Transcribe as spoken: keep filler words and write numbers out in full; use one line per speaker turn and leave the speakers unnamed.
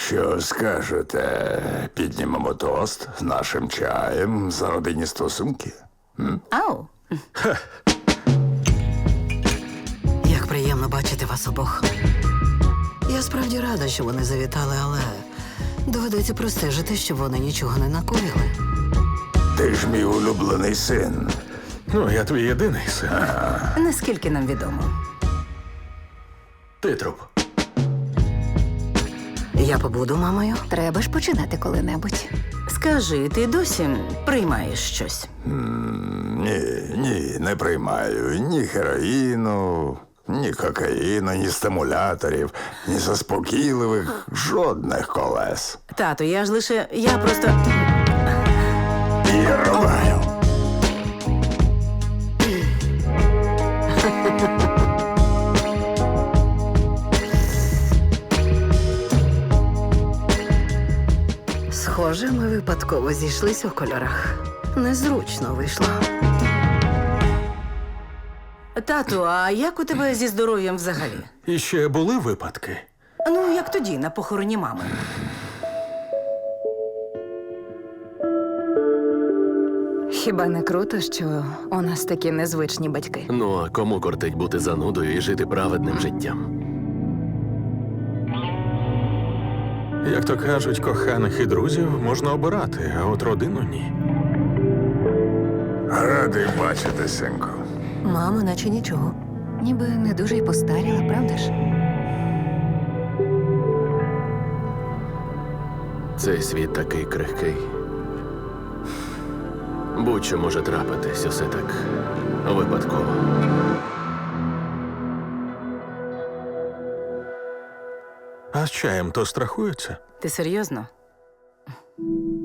Що скажете? Піднімемо тост з нашим чаєм за родинні стосунки?
Ау.
Як приємно бачити вас обох. Я справді рада, що вони завітали, але доведеться простежити, щоб вони нічого не накоїли.
Ти ж мій улюблений син.
Ну, я твій єдиний син.
Наскільки нам відомо.
Ти труп.
Я побуду мамою.
Треба ж починати коли-небудь. Скажи, ти досі приймаєш щось?
Ні, ні, не приймаю ні героїну, ні кокаїну, ні стимуляторів, ні заспокійливих, жодних колес.
Тату, я ж лише. Я просто.
Я рубаю.
Схоже, ми випадково зійшлись у кольорах. Незручно вийшло.
Тату, а як у тебе зі здоров'ям взагалі?
І ще були випадки.
Ну, як тоді, на похороні мами.
Хіба не круто, що у нас такі незвичні батьки?
Ну, а кому кортить бути занудою і жити праведним життям?
Як то кажуть, коханих і друзів можна обирати, а от родину ні.
Радий бачити, синку.
Мама, наче нічого.
Ніби не дуже й постаріла, правда ж?
Цей світ такий крихкий. Будь-що може трапитись, усе так випадково.
А з чаєм то страхуються?
Ти серйозно?